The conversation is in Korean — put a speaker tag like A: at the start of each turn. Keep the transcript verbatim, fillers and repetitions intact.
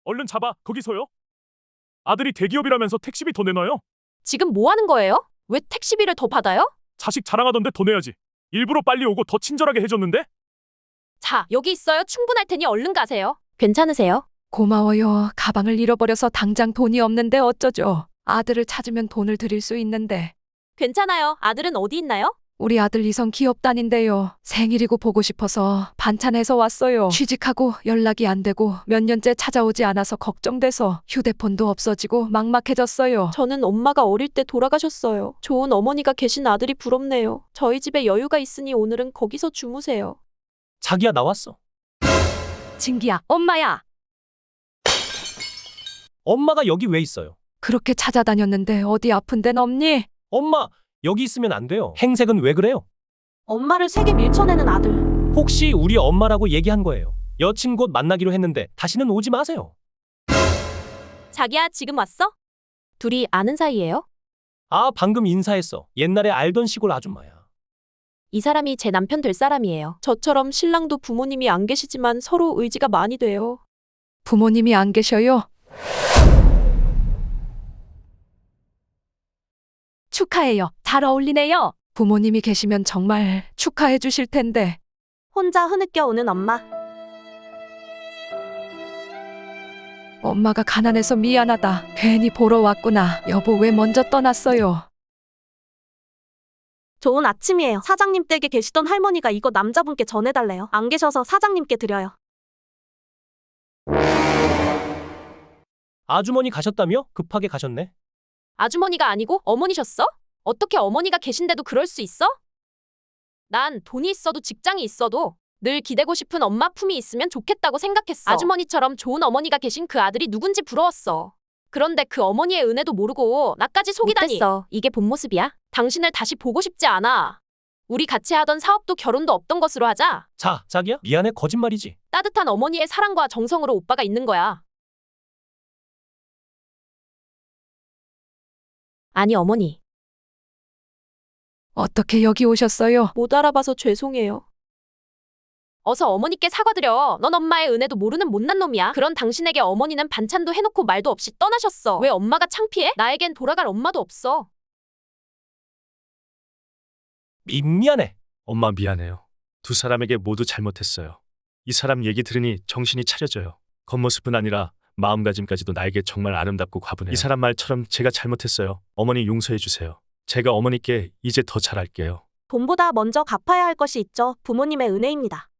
A: 얼른 잡아, 거기서요. 아들이 대기업이라면서 택시비 더 내놔요?
B: 지금 뭐 하는 거예요? 왜 택시비를 더 받아요?
A: 자식 자랑하던데 더 내야지. 일부러 빨리 오고 더 친절하게 해줬는데?
B: 자, 여기 있어요. 충분할 테니 얼른 가세요. 괜찮으세요?
C: 고마워요. 가방을 잃어버려서 당장 돈이 없는데 어쩌죠? 아들을 찾으면 돈을 드릴 수 있는데.
B: 괜찮아요. 아들은 어디 있나요?
C: 우리 아들 이성 기업 다닌대요. 생일이고 보고 싶어서 반찬해서 왔어요. 취직하고 연락이 안 되고 몇 년째 찾아오지 않아서 걱정돼서 휴대폰도 없어지고 막막해졌어요.
B: 저는 엄마가 어릴 때 돌아가셨어요. 좋은 어머니가 계신 아들이 부럽네요. 저희 집에 여유가 있으니 오늘은 거기서 주무세요.
D: 자기야, 나왔어.
C: 진기야, 엄마야.
D: 엄마가 여기 왜 있어요?
C: 그렇게 찾아다녔는데 어디 아픈 데는 없니?
D: 엄마, 여기 있으면 안 돼요. 행색은 왜 그래요?
B: 엄마를 세게 밀쳐내는 아들.
D: 혹시 우리 엄마라고 얘기한 거예요? 여친 곧 만나기로 했는데 다시는 오지 마세요.
B: 자기야, 지금 왔어? 둘이 아는 사이예요?
D: 아, 방금 인사했어. 옛날에 알던 시골 아줌마야.
B: 이 사람이 제 남편 될 사람이에요. 저처럼 신랑도 부모님이 안 계시지만 서로 의지가 많이 돼요.
C: 부모님이 안 계셔요? 축하해요. 잘 어울리네요. 부모님이 계시면 정말 축하해 주실 텐데.
B: 혼자 흐느껴 오는 엄마.
C: 엄마가 가난해서 미안하다. 괜히 보러 왔구나. 여보 왜 먼저 떠났어요?
E: 좋은 아침이에요. 사장님 댁에 계시던 할머니가 이거 남자분께 전해달래요. 안 계셔서 사장님께 드려요.
D: 아주머니 가셨다며? 급하게 가셨네.
B: 아주머니가 아니고 어머니셨어? 어떻게 어머니가 계신데도 그럴 수 있어? 난 돈이 있어도 직장이 있어도 늘 기대고 싶은 엄마 품이 있으면 좋겠다고 생각했어. 아주머니처럼 좋은 어머니가 계신 그 아들이 누군지 부러웠어. 그런데 그 어머니의 은혜도 모르고 나까지 속이다니. 못됐어. 이게 본 모습이야? 당신을 다시 보고 싶지 않아. 우리 같이 하던 사업도 결혼도 없던 것으로 하자.
D: 자, 자기야, 미안해. 거짓말이지.
B: 따뜻한 어머니의 사랑과 정성으로 오빠가 있는 거야. 아니, 어머니.
C: 어떻게 여기 오셨어요?
B: 못 알아봐서 죄송해요. 어서 어머니께 사과드려. 넌 엄마의 은혜도 모르는 못난 놈이야. 그런 당신에게 어머니는 반찬도 해놓고 말도 없이 떠나셨어. 왜 엄마가 창피해? 나에겐 돌아갈 엄마도 없어.
D: 미, 미안해.
A: 엄마 미안해요. 두 사람에게 모두 잘못했어요. 이 사람 얘기 들으니 정신이 차려져요. 겉모습은 아니라 마음가짐까지도 나에게 정말 아름답고 과분해요. 이 사람 말처럼 제가 잘못했어요. 어머니 용서해 주세요. 제가 어머니께 이제 더 잘할게요.
E: 돈보다 먼저 갚아야 할 것이 있죠. 부모님의 은혜입니다.